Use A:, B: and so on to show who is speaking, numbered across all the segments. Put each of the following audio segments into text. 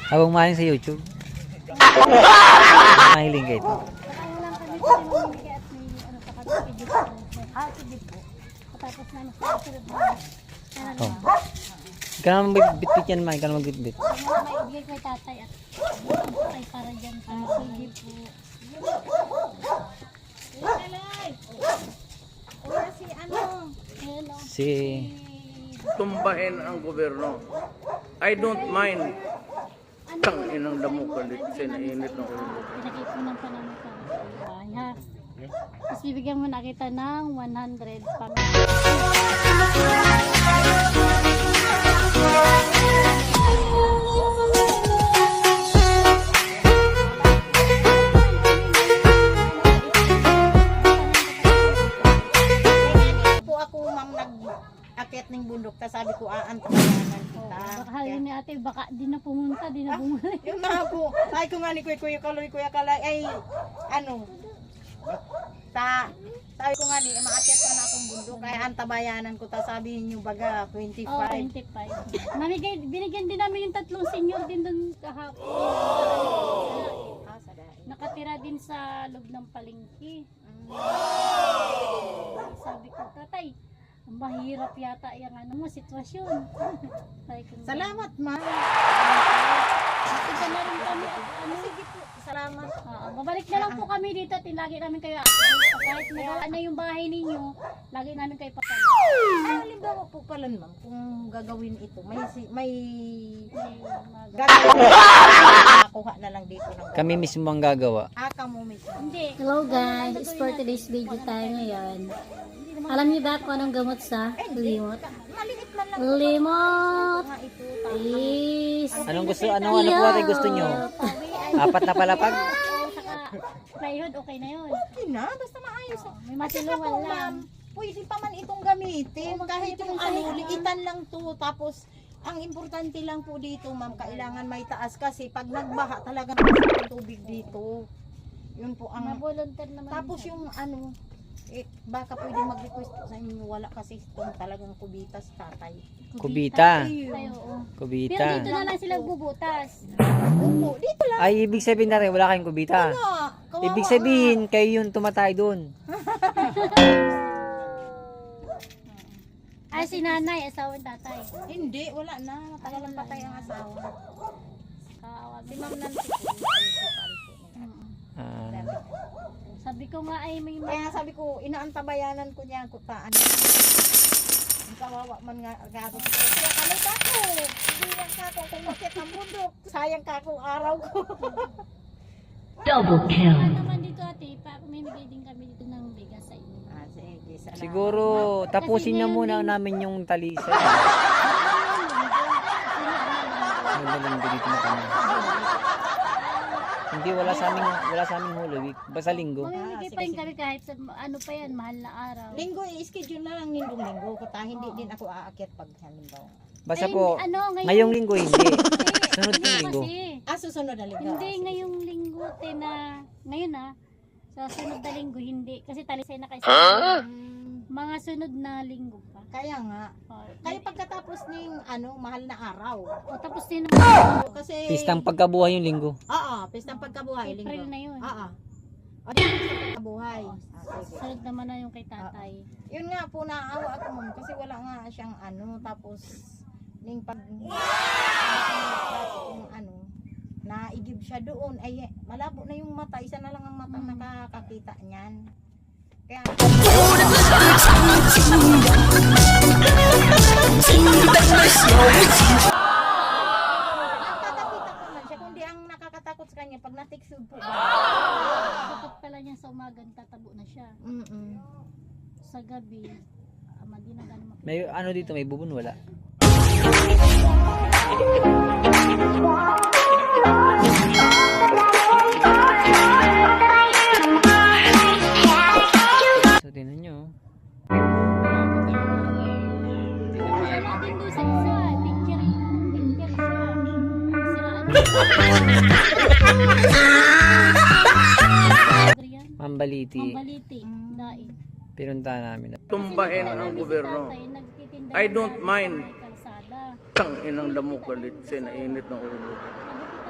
A: Habang mahiling sa YouTube. Mahiling kayo ito.
B: Tapos na
A: Oh. Ikaw naman bitbit yan, ma. Ikaw naman bitbit.
B: maibigay ko kay tatay at ay para dyan sa CD po. Wala si ano? Hello.
A: Si...
C: Tumbahin ang gobyerno. I don't mind. Tang inang damukan dito sa inainit ng ulo.
B: Pinakipunan pa namin sa bahay, ha? Tapos bibigyan mo na kita ng 100 pang...
D: Po ako ma'am nag-akit ng bundok ta sabi ko aantabayanan kita.
B: Baka halin ni ate, baka di na pumunta, di na bumalik.
D: Yung mga po, sabi ko nga ni Kuya Kalay ay ano sabi ko nga ni maakit na akong bundok kaya antabayanan ko ta sabihin niyo baga 25.
B: Oh, 25. Binigyan din namin yung tatlong senior din doon kahapon.
D: Sa dahil.
B: Nakatira din sa loob ng palengke. Sabi ko, tatay, mahirap yata yung ano mo, sitwasyon. Sabi ko,
D: Salamat ma'am.
B: Ito na rin kami. Ano,
D: Sige po, salamat.
B: babalik na lang po kami dito at lagi namin kayo kahit magawa na yung bahay ninyo, lagi namin kayo papalo.
D: Halimbawa po pala ma'am kung gagawin ito may
B: Mag-
D: nakuha na lang dito ng
A: Kami mismo ang gagawa.
D: mo mismo.
B: Hindi.
E: Hello guys, it's for today's video tayo ngayon. Alam niyo ba kung anong gamot sa limot?
D: Maliit man lang
E: Limot
D: nga ito.
E: is
A: Anong gusto? Ano po ate gusto nyo? Apat na palapag?
B: Saka plywood, okay na yun.
D: Okay na, basta maayos.
B: May
D: Kasi
B: masilungan
D: po,
B: lang.
D: ma'am, pwede pa man itong gamitin. Kahit yung ano, liitan lang to. Tapos, ang importante lang po dito, ma'am, kailangan may taas kasi pag nagbaha talaga ng tubig dito. Yun po ang...
B: Maboluntar naman.
D: Tapos yung ano, baka pwede mag-request po sa inyo. Wala kasi itong talagang kubitas, tatay.
A: Kubita.
B: Tayo, oo. Pero
A: Kubita.
B: dito na lang sila bubutas.
D: Opo, dito lang.
A: Ay, ibig sabihin na rin, wala kayong kubita.
D: Kawawa
A: Ibig
D: nga.
A: sabihin, kayo yung tumatay doon.
B: Ay, si nanay, asawang tatay.
D: Hindi, wala na. Matagal lang patay ang asawa.
B: Kaawag.
D: Si Ma'am Nancy po, principal po.
A: Ah,
B: Sabi ko nga ay may
D: Kaya sabi ko, inaantabayanan ko niya kung paano. Ang kawawa man nga ako. Kaya kalay ka ko. Hindi yan ka ko kung bakit ang bundok. Sayang ka ko araw ko.
E: double kill.
B: naman dito ate, pamimigay din kami dito ng bigas sa inyo.
D: Sige, salamat.
A: siguro, tapusin na muna namin yung talisa. Magaling dito na kami. Hindi, wala sa aming huli. Basta linggo.
B: Mamimigay pa rin kami kahit sa ano pa yan, mahal na araw.
D: Linggo, i-schedule na lang linggo. Kata hindi din ako aakyat pag halimbawa.
A: Basta
B: Ay,
A: po,
B: ano,
A: ngayong linggo hindi. Sunod
B: Hindi
A: na linggo.
B: kasi,
D: Susunod na linggo.
B: hindi ngayong linggo, ngayon sa sunod na linggo, hindi. Kasi talisay na kayo sa mga sunod na linggo pa.
D: Kaya nga.
B: Oh,
D: Kaya pagkatapos ng mahal na araw.
B: tapos din
D: Kasi
A: Pistang pagkabuhay yung linggo.
D: Oo, pistang pagkabuhay linggo.
B: April na yun.
D: Oo. O di pistang pagkabuhay. Sige.
B: Sunod naman na yung kay tatay.
D: Yun nga po naawa ako ma'am kasi wala nga siyang tapos ning pag yung naigib siya doon ay malabo na yung mata, isa na lang ang mata nakakakita niyan. Kaya nakakakita ko man siya kundi ang nakakatakot sa kanya pag natiksod po.
B: Kapag pala niya sa umaga, tatabo na siya. Sa gabi, di na gano'n makita.
A: May ano dito, may bubon, wala. So, tinan nyo.
B: Natin doon sa isa, picture siya. Siraan.
A: Mambaliti.
B: Mambaliti, daig.
A: Pinunta namin.
C: Tumbahin ang gobyerno. I don't mind. Tang inang damukan dito sa inainit ng ulo.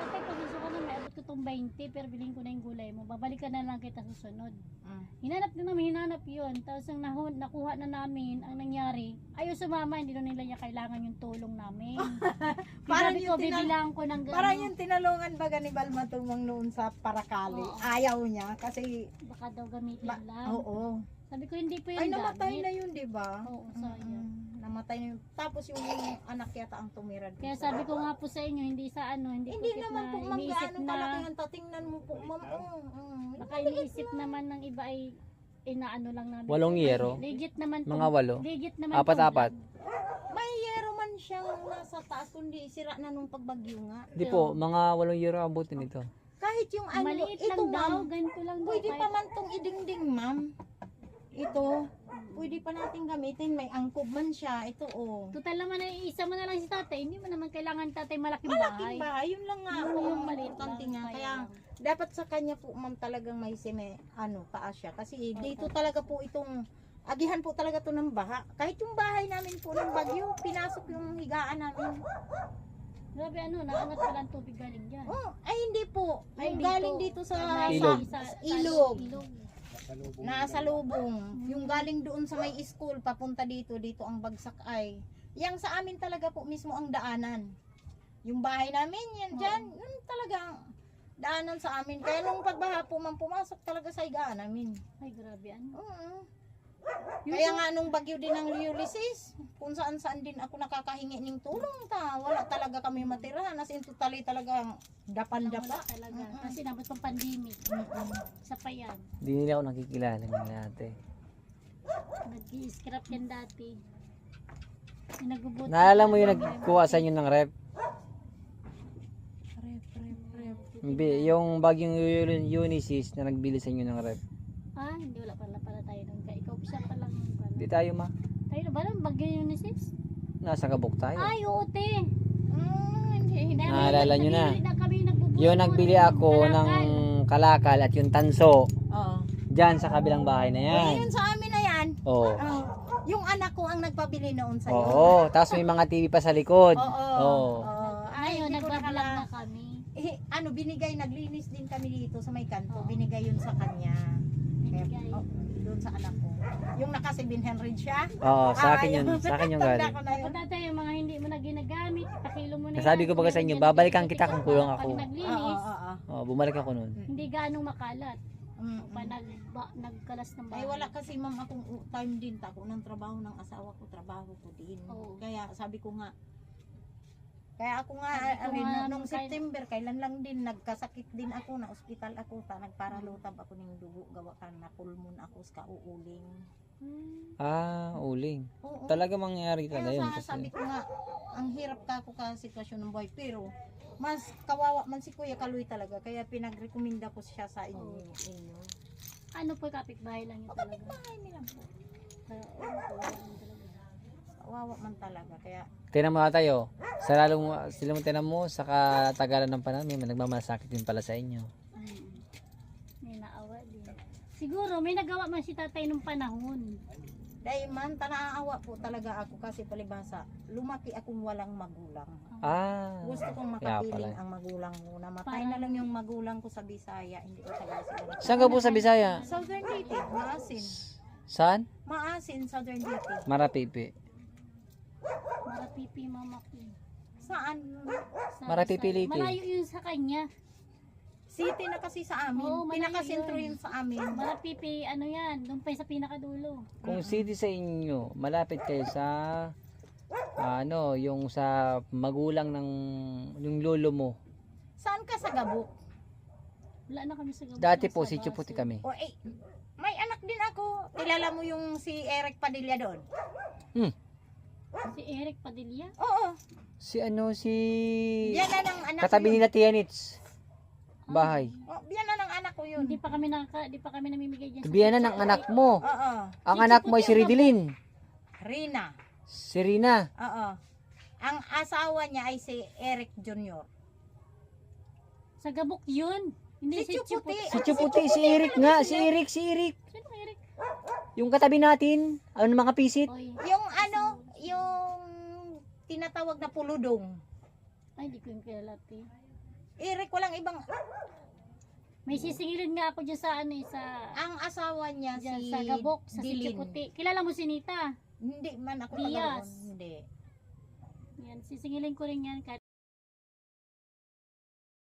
B: 20, pero bilhin ko na yung gulay mo. Babalikan na lang kita susunod.
D: Mm.
B: Hinanap yun. Tapos ang nakuha na namin, ang nangyari, ayaw sumama, hindi na nila niya kailangan yung tulong namin.
D: Parang
B: Sabi
D: yung
B: ko, bibilang ko ng
D: Parang
B: gano'n.
D: yung tinalungan baga ni Balma Tumang noon sa Parakali.
B: Oo.
D: Ayaw niya kasi
B: Baka daw gamitin
D: ba-
B: lang.
D: oo.
B: Sabi ko, hindi po
D: Ay
B: yung
D: namatay
B: gamit.
D: na yun, 'di ba?
B: Oo, sayang.
D: Namatay na yun. Tapos yung anak yata ang tumira doon.
B: Kaya sabi ko nga po sa inyo, hindi sa ano, hindi
D: Hindi
B: porket
D: naman
B: na
D: po ma'am
B: iniisip
D: gaano
B: na,
D: kalaki ang tatingnan mo po ma'am.
B: baka iniisip naman ng iba ay inaano lang namin.
A: 8 yero.
B: Legit naman po.
A: Mga 8.
B: Legit naman
A: Apat-apat.
D: May yero man siyang nasa taas kundi sira na nung pagbagyo nga.
A: Di po, mga 8 euro abutin ito.
D: Kahit yung ano,
B: Maliit
D: ito
B: lang daw,
D: ma'am,
B: ganito lang daw.
D: pwede
B: kahit-
D: pa man tong idingding ma'am. Ito, pwede pa natin gamitin. May angkob man siya. Ito oh.
B: Total naman ay isa mo na lang si tatay, hindi mo naman kailangan tatay malaking
D: Malaking
B: bahay.
D: bahay. Yun lang nga
B: Yun
D: po.
B: yung
D: Ang
B: maliit
D: importante
B: lang,
D: nga.
B: kaya
D: Kaya
B: lang.
D: dapat sa kanya po ma'am talagang may taas siya. Kasi dito talaga po itong agihan po talaga to ng baha. Kahit yung bahay namin po ng bagyo, pinasok yung higaan namin.
B: Grabe ano, naangat pala ang tubig galing dyan.
D: Oh, ay hindi po.
B: Ay,
D: Yung
B: dito.
D: galing dito sa
A: Ilog.
D: ilog. Nasa lubong. Yung galing doon sa may school, papunta dito ang bagsak ay. Yang sa amin talaga po mismo ang daanan. Yung bahay namin, yan dyan, yun talaga daanan sa amin. Kaya nung pagbaha po, man pumasok talaga sa higaan namin.
B: Ay, grabe ano.
D: Oo. Kaya nga nung bagyo din ng Ulysses, kung saan din ako nakakahingi ng tulong wala talaga kami matirahan. As in totally talagang
B: Wala
D: dapan-dapa.
B: talaga. Kasi nabot pang pandemic. Isa pa yan.
A: Hindi nila ako nakikilala ng ate.
B: Nag-i-scrap yan dati. Pinagubuti.
A: Naalala mo yung nagkuha sa inyo ng rep? Yung bagyong Unisys na nagbili sa inyo ng rep.
B: Ah, hindi wala pala tayo nung ikaw siya pa lang.
A: Hindi tayo ma.
B: Tayo na ba lang? Bagyo yung Unisys?
A: Nasa kabuk tayo.
B: Ay, oo, te. Hindi.
A: Naalala nyo na.
B: Kami nagbubuo.
A: Yung nagbili ako ng kalakal at yung tanso.
D: Oo.
A: Diyan sa kabilang bahay na yan.
D: Yun sa amin na yan.
A: Oo.
D: Oh, yung anak ko ang nagpabili noon sa'yo.
A: Oo. Tapos may mga TV pa sa likod.
D: Oo.
A: Oo.
D: Ay,
B: Ayun,
D: hindi ko
B: nagbablog
D: nakala.
B: na kami.
D: Binigay, naglinis din kami dito sa may kanto. Binigay yun sa kanya.
B: Binigay.
D: Doon sa anak ko. Yung naka 700 siya.
A: Oo, sa akin yun. Sa akin yung
D: Tanda
A: galing.
D: ko na yun.
B: Dapat tatay, yung mga hindi mo na ginagamit, pakilo mo na
A: Nasabi ko baga sa inyo, babalikan kita kung kulang ako.
B: Pag naglinis,
A: Oh, bumalik ako nun.
B: hindi ganong makalat.
D: Mm,
B: Pa nagkalas ng bahay.
D: Ay wala kasi ma'am akong time din tako ng trabaho ng asawa ko, trabaho ko din.
B: Oo.
D: Kaya sabi ko nga, kaya ako nga,
B: Sabi ko nga,
D: nung
B: nung
D: September, kailan lang din, nagkasakit din ako, na ospital ako, nagparalutab ako ng dugo, gawa ka na pulmon ako, sa uuling.
A: Ah, uling.
D: Oo.
A: Talaga mangyari talaga
D: Kaya
A: yun.
D: sabi
A: Kasi,
D: ko nga, ang hirap ka ako ka sitwasyon ng buhay, pero mas kawawa man si Kuya Kaloy talaga, kaya pinagrekomenda ko siya sa inyo.
B: Ano po, kapitbahay lang yun talaga.
D: Bahay nila po.
B: Kaya, ano po, wala lang talaga.
D: Kawawa man talaga, kaya
A: tinan mo tayo. Sa lalong, sila mo tinan mo, sa katagalan ng panahon, may nagmamasakit din pala sa inyo.
B: May naawa din. Siguro, may nagawa man si tatay nung panahon.
D: dahil man, tanaawa po talaga ako kasi palibasa, lumaki akong walang magulang.
A: Ah,
D: Gusto kong
A: kaya
D: makapiling
A: pala.
D: ang magulang ko. Namatay na lang yung magulang ko sa Bisaya. Hindi ko talaga sila.
A: Saan ka po sa Bisaya?
D: Southern Leyte, Maasin.
A: Saan?
D: Maasin, Southern Leyte.
A: Marapipi.
B: Marapipi mama ko.
D: Saan?
B: Sa
A: Marapipi,
B: Bisaya.
A: Leyte.
B: Malayo yun sa kanya.
D: City na kasi sa amin.
B: Oo, malayo
D: Pinakasentro
B: yun.
D: yun sa amin.
B: Marapipi, ano yan, doon pa sa pinakadulo.
A: Kung city sa inyo, malapit kayo sa yung sa magulang ng yung lolo mo.
D: Saan ka sa Gabok?
B: Wala na kami sa Gabon.
A: Dati po
B: Nasa
A: si Chuputi
B: Baso.
A: kami.
D: O may anak din ako. Kilala mo yung si Eric Padilla doon?
B: Si Eric Padilla.
D: Oo.
A: Si
D: Yan na ng anak
A: katabi
D: ko yun.
A: nila Tianits. Bahay.
D: Oh, yan na ng anak ko yun.
B: Hindi pa kami namimigay diyan.
A: Tabihan na ng anak mo.
D: Oo.
A: Ang anak mo ay si Ridilin.
D: Rina.
A: Si Rina.
D: Oo. Ang asawa niya ay si Eric Jr.
B: Sa Gabok yun. Hindi
D: Si
B: si
D: Chuputi.
B: Chuputi.
A: Si Chuputi, si Eric nga. Si Eric.
B: Sino Eric?
A: Yung katabi natin. Ano mga pisit?
B: Oy.
D: Yung tinatawag na puludong.
B: Ay, hindi ko yung kilala. Te.
D: Eric, walang ibang...
B: May sisingilin nga ako dyan sa ano eh, sa
D: Ang asawa niya
B: dyan
D: si
B: sa Gabok, sa
D: Dilin.
B: Sichiputi. Kilala mo si Nita?
D: Hindi man ako
B: Diaz.
D: Hindi.
B: Yan, sisingilin ko rin yan kahit